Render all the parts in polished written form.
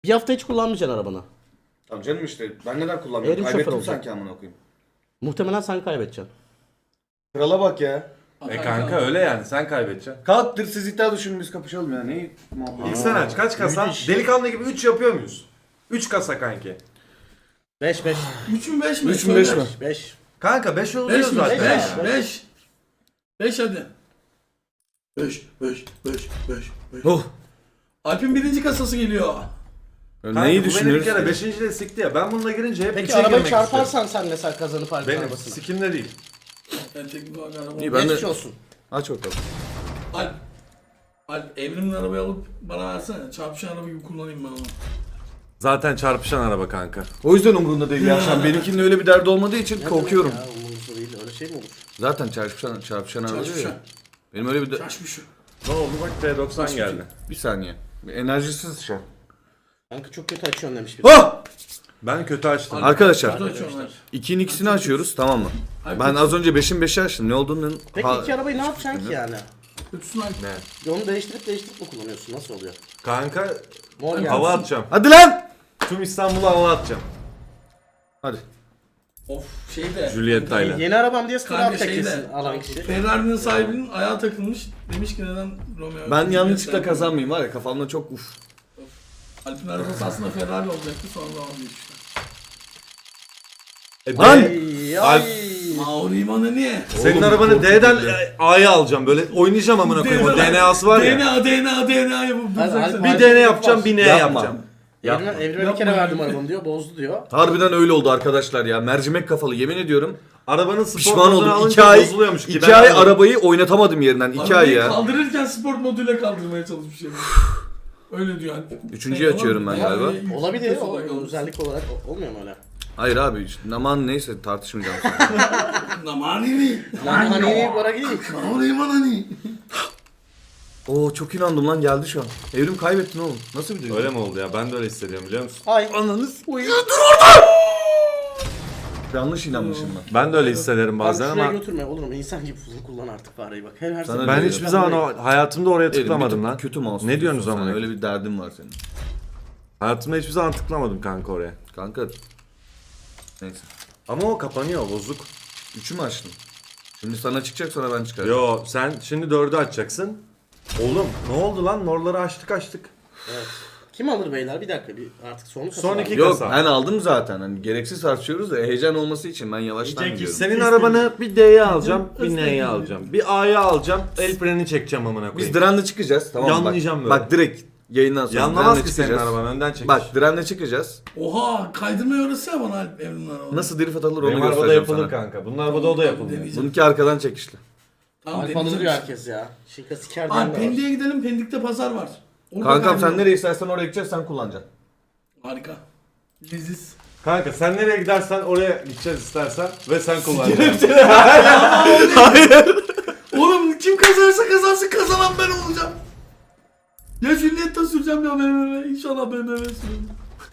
Bir hafta hiç kullanmayacaksın arabanı. Tamam canım işte ben neden kullanmıyorum? Evrim şoför Kaybettim olacak. sanki amına koyayım. Muhtemelen sen kaybedeceksin. Krala bak ya. Kanka öyle yani sen kaybedeceksin. Kalktır siz iddia düşünün biz kapışalım ya. Neyi muhabbet? İlk sen aç. Kaç kasa? müthiş. Delikanlı gibi 3 yapıyor muyuz? 3 kasa kanki. 5 5. 3 mü 5 mi? 3 mü 5 mi? 5. Kanka 5 oluyor 5 mi? zaten. 5. 5 hadi. 5. Oh. Alp'in birinci kasası geliyor. Kanka, Neyi bu beni bir düşünüyoruz? kere 5. de sikti ya. Ben bununla girince hep Peki üçe arabayı girmek çarparsan sen mesela kazanıp istedim. Alp'in Benim arabasına. sikimde değil. Ben teknik olarak araba. İyi ben de Geçmiş olsun. aç bakalım. Alp Evrim'in arabayı alıp bana versene. Çarpışan araba gibi kullanayım ben onu. Zaten çarpışan araba kanka. O yüzden umurunda değil ya. Sen benimkinin öyle bir derdi olmadığı için korkuyorum. Ya umurumuzda değil öyle şey mi olur? Zaten çarpışan araba diyor Çarpışan. ya. Benim öyle bir de... Çarpışan. Ne oldu bak T90 geldi. Bir saniye. Bir enerjisiz şu an. Kanka çok kötü açıyorsun demiş bir. Oh! Ben kötü açtım. Arkadaşlar Kötü açıyorlar. 2'nin ikisini açıyoruz tamam mı? Hayır, Ben az önce 5'in 5'i açtım. Ne olduğunu... Peki iki arabayı ne yapacaksın ki yani? Kötüsün Alp. Ne? Onu değiştirip mi kullanıyorsun? Nasıl oluyor? Kanka Mor geldi. hava atacağım. Hadi lan! Tüm İstanbul'a hava atacağım. Hadi. Of şeyde. Julieta'yla. Yeni arabam diye sıra Kanka abi teklesin şeyde. alan kişi. Ferrari'nin sahibinin ayağı takılmış. Demiş ki neden Romeo? Ben yanlışlıkla Juliet'ten- kazanmayayım var ya kafamda çok uf. Alp'in arabası aslında Ferrari olacaktı sonra vazgeçmişler. Lan! Ay Alp. ay. Mauri İman'ı niye? Senin Oğlum, arabanı çok D'den kötü. A'ya alacağım böyle oynayacağım amına koyayım o DNA'sı var ya. DNA yapıp Hadi, duracaksın. Alp, Bir DNA yapacağım bir N Yapma. yapacağım. Evrime bir kere verdim arabamı diyor bozdu diyor. Harbiden öyle oldu arkadaşlar ya. Mercimek kafalı yemin ediyorum. Arabanın spor Pişman modunu oldum. alınca 2 ay, bozuluyormuş ki. 2 Ben ay aldım. arabayı oynatamadım yerinden. 2 ay Arabayı ya. kaldırırken sport moduyla kaldırmaya çalışmış yani. Öyle diyor Alp. Üçüncüyü açıyorum ben galiba. Olabilir o özellik olarak olmuyor mu öyle? Hayır abi aman neyse tartışmayacağım. Namani. Lan hani bana değil. Mauri İman hani. Oo çok inandım lan geldi şu an. Evrim kaybettin oğlum. Nasıl bir duygu? Öyle mi oldu ya? Ben de öyle hissediyorum biliyor musun? Ay. Ananız. Yanlış inanmışım ben. Ben de öyle hissederim bazen Bazen ama götürme olur mu? İnsan gibi kullan artık fareyi bak. Her Sana sefer- ben öyle hiçbir zaman o hayatımda oraya Evrim, bir tıklamadım tık lan. Kötü mouse. Ne diyorsunuz tutuyorsun ama? sen, Öyle bir derdin var senin. Hayatımda hiçbir zaman tıklamadım kanka oraya. Kanka. Neyse. Ama o kapanıyor bozuk. 3'ü mü açtın? Şimdi sana çıkacak sonra ben çıkaracağım. Yo sen şimdi 4'ü açacaksın. Oğlum ne oldu lan? Norları açtık. Evet. Kim alır beyler? Bir dakika bir artık son kasa Son var. iki- Yok kasa. ben aldım zaten. Hani gereksiz tartışıyoruz da heyecan olması için ben yavaştan gidiyorum. Senin arabanı bir D'ye alacağım, bir N'ye alacağım. Bir A'ya alacağım, el freni çekeceğim amına Biz koyayım. Diren'le çıkacağız tamam mı? Yanlayacağım Bak, böyle. bak direkt yayından sonra Yanlamaz Diren'le ki senin çıkacağız. araban, önden çekiş. Bak Diren'le çıkacağız. Oha kaydırmayı öğretse ya bana Alp Evrim'in arabası. Nasıl drift atılır onu Benim arabada göstereceğim yapılır sana. kanka. Bunun arabada o da yapılıyor. Deneyeceğim. Bununki arkadan çekişli. Tamam Alp deneyeceğim. alır diyor herkes ya. Şinka siker Alp diyen de var. Pendik'e gidelim. Pendik'te pazar var. Orada Kankam sen kaydıralım. nereye istersen oraya gideceğiz sen kullanacaksın. Harika. Leziz. Kanka sen nereye gidersen oraya gideceğiz istersen ve sen kullanacaksın. Oğlum kim kazanırsa kazansın kazanan ben olacağım. Ya Juliet'ta süreceğim ya BMW. İnşallah BMW süreceğim.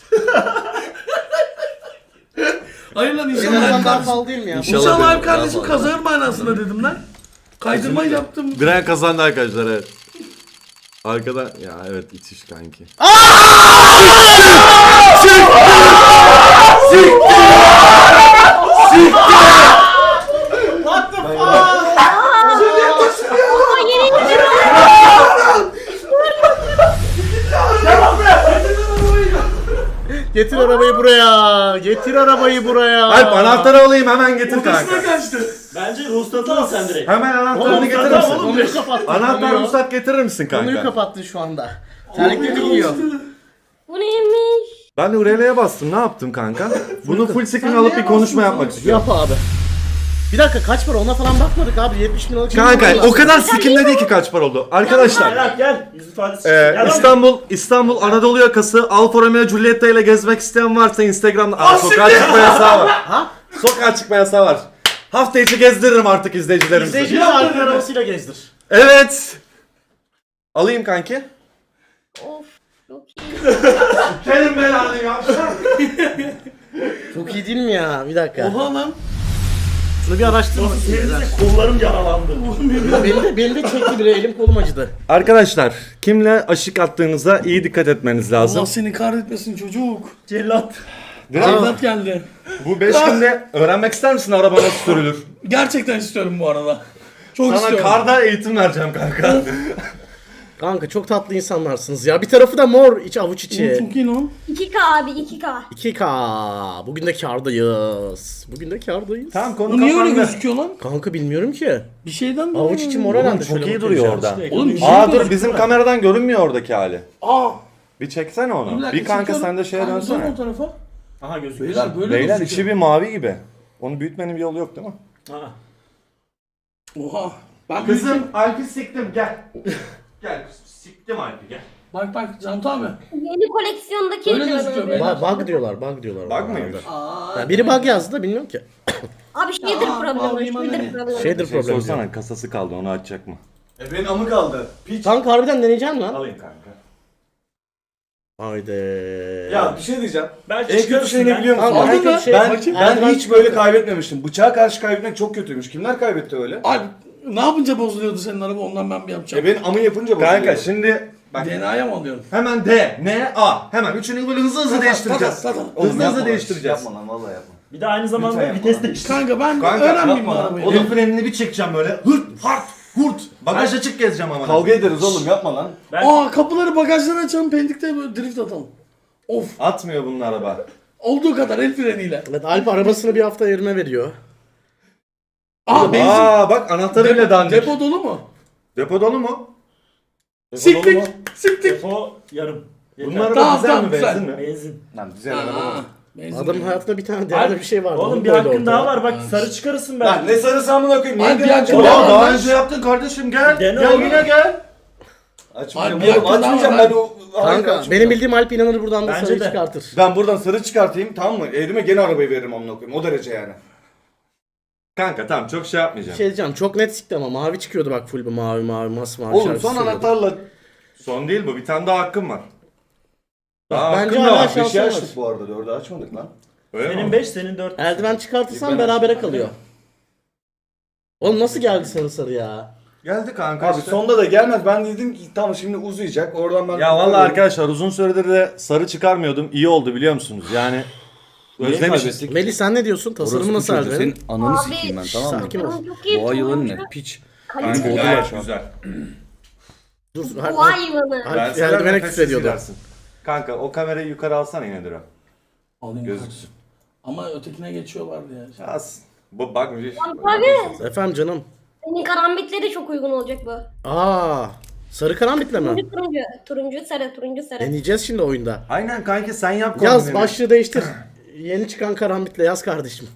Hayır lan Senin inşallah araban Alp daha kardeşim. pahalı değil mi ya? İnşallah. İnşallah Alp benim, kardeşim daha kazanır manasında dedim lan. Kaydırma yaptım. Diren kazandı arkadaşlar evet. Arkada ya evet itiş kanki. What the fuck? Getir arabayı buraya. Getir arabayı buraya. Alp anahtarı alayım hemen getir Odasına kanka. kaçtı. Bence ruhsatı al sen direkt. Hemen anahtarını getirir misin? Konuyu kapattın. Anahtar ruhsat getirir misin Konuyu kanka? kapattın şu anda. Terliklerini giyiyor. Bu neymiş? Ben de Urela'ya bastım ne yaptım kanka? Bunu full screen Sen alıp neye bir konuşma bastın yapmak sen? istiyorum. Yap abi. Bir dakika kaç para ona falan bakmadık abi 70 bin liralık şey Kanka mi o kadar sikimde değil ki kaç para oldu. Arkadaşlar Berat gel. Yüz ifadesi çıksın. Gel lan. İstanbul Anadolu yakası Alfa Romeo Giulietta ile gezmek isteyen varsa Instagram'da sokağa çıkma yasağı var. Ha? Sokağa çıkma yasağı var. Hafta içi gezdiririm artık izleyicilerimizi. İzleyicileri arka arabasıyla gezdir. Evet. Alayım kanki. Of çok iyi. Kerim belanı ya. Çok iyi değil mi ya? Bir dakika. Oha lan. Şunu bir araştırın. Seninle kollarım yaralandı. Benim de çekti biri, elim kolum acıdı. Arkadaşlar kimle aşık attığınıza iyi dikkat etmeniz lazım. Allah seni kahretmesin çocuk. Cellat. Cellat geldi. Bu 5 günde öğrenmek ister misin araba nasıl sürülür? Gerçekten istiyorum bu arada. Çok Sana istiyorum. karda eğitim vereceğim kanka. Kanka çok tatlı insanlarsınız ya. Bir tarafı da mor, iç avuç içi. Çok iyi lan. 2K abi 2K. 2K. Bugün de kârdayız. Bugün de kârdayız. Tamam konu Bu niye öyle kapandı. gözüküyor lan? Kanka bilmiyorum ki. Bir şeyden mi? Avuç içi mor herhalde. Çok şöyle iyi bakınca. duruyor orada. Oğlum bir şey Aa gözüküyor. dur bizim kameradan görünmüyor oradaki hali. Aa. Bir çeksene onu. dakika, Bir kanka çekiyorum. sen de şeye Kanka, dön dönsene. o tarafa. Aha gözüküyor. Beyler böyle Beyler gözüküyor. içi bir mavi gibi. Onu büyütmenin bir yolu yok değil mi? Ha. Oha. Ben Kızım Alp'i siktim gel. Gel kızım siktim Alp'i gel. Bak Cantu abi. Yeni koleksiyondaki Öyle gözüküyor be. Bug diyorlar, bug diyorlar. Bug mıymış? Aa. Ya biri bug yazdı da bilmiyorum ki. Abi shader Aa, problemi. bağlayayım Shader anne. problemi. Şeydir Şey problem. sorsana kasası kaldı onu açacak mı? Benim amı kaldı. Piç. Kanka harbiden deneyeceksin lan. Alayım kanka. Haydi. Ya bir şey diyeceğim. Belki En kötü çıkarırsın şey ne ya. biliyor musun? Kanka, en kötü şey- Ben Erdoğan hiç böyle kaybetmemiştim. Bıçağa karşı kaybetmek çok kötüymüş. Kimler kaybetti öyle? Abi ne yapınca bozuluyordu senin araba ondan ben bir yapacağım. Benim amı yapınca bozuluyor. Kanka şimdi bak DNA'ya mı alıyorsun? hemen D, N, A. Hemen üçünü böyle hızlı hızlı değiştireceğiz. Oğlum Hızlı yapma hızlı lan. değiştireceğiz. Yapma lan vallahi yapma. Bir de aynı zamanda Lütfen vites yapma. değiştir. Kanka ben Kanka, öğrenmeyeyim bu yapma lan. arabayı. Oğlum frenini bir çekeceğim böyle. Hırt, hart, hurt. Bagaj açık gezeceğim ama. Kavga ederiz oğlum yapma lan. Aa kapıları bagajları açalım pendikte böyle drift atalım. Of. Atmıyor bunun araba. Olduğu kadar el freniyle. Evet, Alp arabasını bir hafta yerime veriyor. Aa benzin. Aa bak anahtarı bile dandik. Depo dolu mu? Depo dolu mu? Siktik. Siktik. Depo yarım. Yeter. Bunun araba Tamam, güzel tamam, mi güzel. benzin mi? Benzin. Lan güzel araba. Aa, benzin. Adamın hayatında bir tane değerli bir şey vardı. Oğlum Onu bir koydu hakkın ortaya. daha var bak sarı çıkarırsın Lan belki. ne sarısı amına koyayım. Niye Ay, bir direnci hakkın var? daha var. Daha önce yaptın kardeşim gel. Dene Gel oğlum. yine gel. Açmayacağım Ay, bir oğlum hakkın daha açmayacağım var ben o... Hayır, Kanka açmayacağım. benim bildiğim Alp inanır buradan da Bence sarıyı de. çıkartır. Ben buradan sarı çıkartayım tamam mı? Elime gene arabayı veririm amına koyayım. O derece yani. Kanka tamam çok şey Bir yapmayacağım. şey diyeceğim, çok net sikti ama mavi çıkıyordu bak, full bu mavi masmavi Oğlum şarkısı son söylüyordu. anahtarla... Son değil bu bir tane daha hakkım var. Daha Bence hakkım da hala var. şans- 5'i açtık bu arada 4'ü açmadık lan. Öyle Senin mi? 5 senin 4. Eldiven çıkartırsan Ben berabere açtım. kalıyor. Oğlum nasıl geldi sarı ya? Geldi kanka Abi işte. sonda da gelmez. Ben dedim ki tamam şimdi uzayacak. Oradan ben... Ya vallahi arkadaşlar uzun süredir de sarı çıkarmıyordum. İyi oldu biliyor musunuz? Yani özlemişiz. Melih sen ne diyorsun? Tasarımı nasıl Eldiven'in? Ananı Abi, sikeyim ben tamam mı? Sakin ol. Çok iyi. Boğa yılanı turuncu. ne? Piç. Kanka Kaliteli. gayet güzel. Dur. Boğa yılanı. Alp Eldiven'e küfür ediyordu. Kanka o kamerayı yukarı alsana yine Dura. Alayım Gözüksün. Ama ötekine geçiyorlardı ya. Az. Bu bak bir Abi Efendim canım. senin karambitleri çok uygun olacak bu. Aa, sarı karanbitle mi? Turuncu turuncu. Turuncu sarı turuncu sarı. Deneyeceğiz şimdi oyunda. Aynen kanki sen yap Yaz kombinini. başlığı değiştir. Yeni çıkan karambitle yaz kardeşim.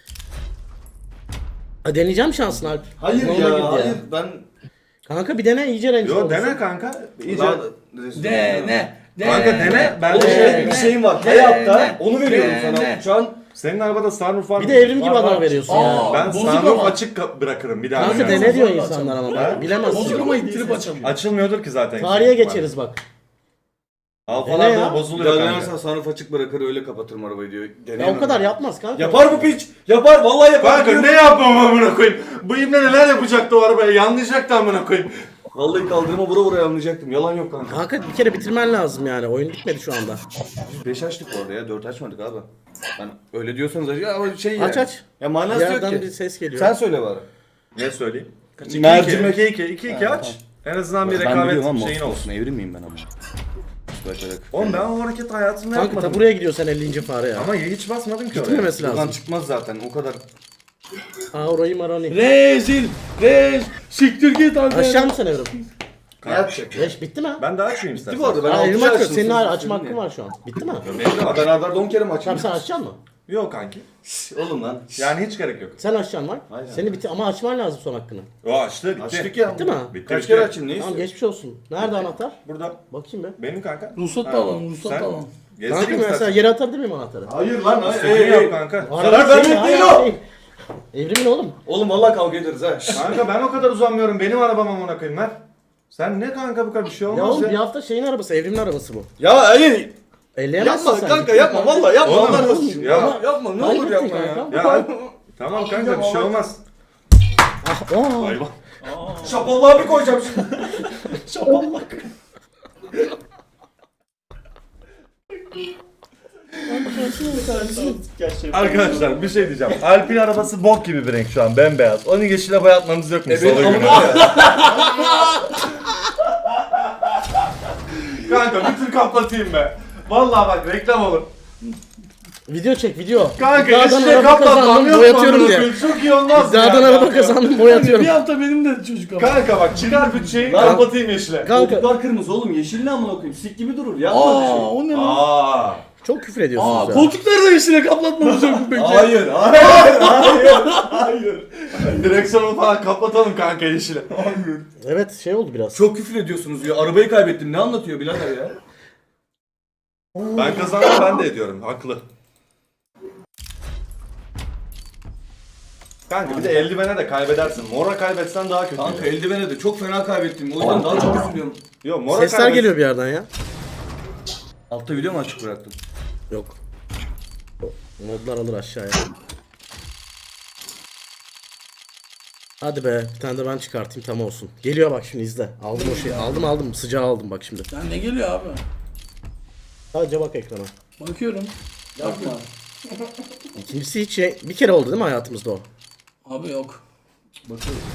Ha, deneyeceğim şansın Alp. Hayır Yoluna girdi ya hayır ben... Kanka bir dene iyice renk Yo olsun. dene kanka. İyice. Ne? Kanka dene. Ben Oğlum de şey, bir şeyim var. Hayatta onu veriyorum sana. Şu an senin arabada sunroof var Bir mı? de evrim gibi Var, adama var. veriyorsun Aa, ya. Ben bozuk sunroof ama. açık bırakırım bir daha. Kanka oynarım. dene diyor Zorla insanlar ama. Ha? Bilemezsin. Bozuk ama ittirip açamıyor. Açılmıyordur ki zaten. Tarihe geçeriz bak. Dene Alfalarda ya. da bozuluyor kanka. denersen sunroof açık bırakır öyle kapatırım arabayı diyor. Ya Deneyemem. o kadar yapmaz kanka. Yapar bu piç. Yapar vallahi yapar. Kanka ne yapmam amına koyayım? Bu ibne neler yapacaktı o arabaya? Yanlayacaktı amına koyayım. Vallahi kaldırıma vura vura anlayacaktım. Yalan yok kanka. Kanka bir kere bitirmen lazım yani. Oyun bitmedi şu anda. 5 açtık orada ya 4 açmadık abi. Ben öyle diyorsanız acı ama şey ya. Aç aç. Ya Bir manası yok yerden ki. bir ses geliyor. Sen söyle bari. Ne söyleyeyim? Mercimek. 2-2 aç. En azından bir Ben biliyorum rekabet ama şeyin olsun. olsun. Evrim miyim ben ama? Bakarak. Oğlum ben o hareket hayatımda Kanka ta yapmadım. buraya gidiyor sen 50. fare ya. Ama hiç basmadım ki oraya. Gitmemesi Buradan lazım. çıkmaz zaten o kadar. Aa orayı maroni. Rezil. Siktir git abi. Aşağı mısın Evrim? Ne yapacak? 5 bitti mi? Ben de açmayayım istersen. Bu arada ben Aa, altı Evrim açtım, açıyor. Senin siz- hala siz açma niye? hakkın var şu an. Bitti mi? Benim de var. Ben ardarda 10 kere mi Tamam açayım? sen açacaksın mı? Yok kanki. Oğlum lan. Yani hiç gerek yok. Sen açacaksın var. Aynen. Seni bitti ama açman lazım son hakkını. O açtı bitti. Açtık ya. Bitti mi? Bitti, Kaç bitti. kere açayım ne Tamam istiyorsun? geçmiş olsun. Nerede anahtar? Burada Bakayım be. benim kanka. Ruhsat Ha, da alalım, ruhsat sen da alalım. gezdireyim Kanka mesela istersen. yere atabilir miyim anahtarı? Hayır lan hayır. İstediğini yap kanka. Zarar vermek değil o. Evrimin oğlum. Oğlum vallahi kavga ederiz ha. Kanka ben o kadar uzanmıyorum. Benim arabam amına koyayım ver. Sen ne kanka bu kadar bir şey Ya olmaz oğlum ya. bir hafta şeyin arabası, evrimin arabası bu. Ya hayır. Elleyemezsin Yapma sen. kanka yapma vallahi yapma. Oğlum, Allah razı olsun. ya. Yapma ne olur Kaybettin yapma ya. kanka. Ya Tamam kanka bir şey olmaz. Aa, Hayvan. Şapallığa bir koyacağım şimdi. Arkadaşlar bir şey diyeceğim. Alp'in arabası bok gibi bir renk şu an bembeyaz. Onu yeşile boyatmamız yok mu? Salı günü. Kanka bir tür kaplatayım be. Vallahi bak reklam olur. video çek video. Kanka İddiadan yeşile araba kaplatmam kazandım, yok mu? boyatıyorum amına diye. koyayım? Çok iyi olmaz mı İddiadan ya araba kanka? kazandım boyatıyorum. Bir hafta benim de çocuk ama. Kanka bak çıkar bütçeyi kapatayım yeşile. Kanka Koltuklar kırmızı oğlum. Yeşil ne amına koyayım? Sik gibi durur. Yapma öyle şey. O ne lan? Aa. çok küfür ediyorsunuz ya. Koltukları da yeşile kaplatmamız yok mu peki? Hayır. Direksiyonu falan kapatalım kanka yeşile. Evet şey oldu biraz. Çok küfür ediyorsunuz ya. Arabayı kaybettim. Ne anlatıyor birader ya? Ben kazandım ben de ediyorum. Haklı. Kanka bir de eldivene de kaybedersin. Mora kaybetsen daha kötü. Kanka eldivene de çok fena kaybettim. O yüzden daha çok üzülüyorum. Yo, mora Sesler geliyor bir yerden ya. Altta video mu açık bıraktım? Yok. Modlar alır aşağıya. Hadi be bir tane de ben çıkartayım tam olsun. Geliyor bak şimdi izle. Aldım o şeyi. Aldım sıcağı aldım bak şimdi. Sen ne geliyor abi? Sadece bak ekrana. Bakıyorum. Yapma. İkincisi hiç şey bir kere oldu değil mi hayatımızda o? Abi yok. Bakıyorum.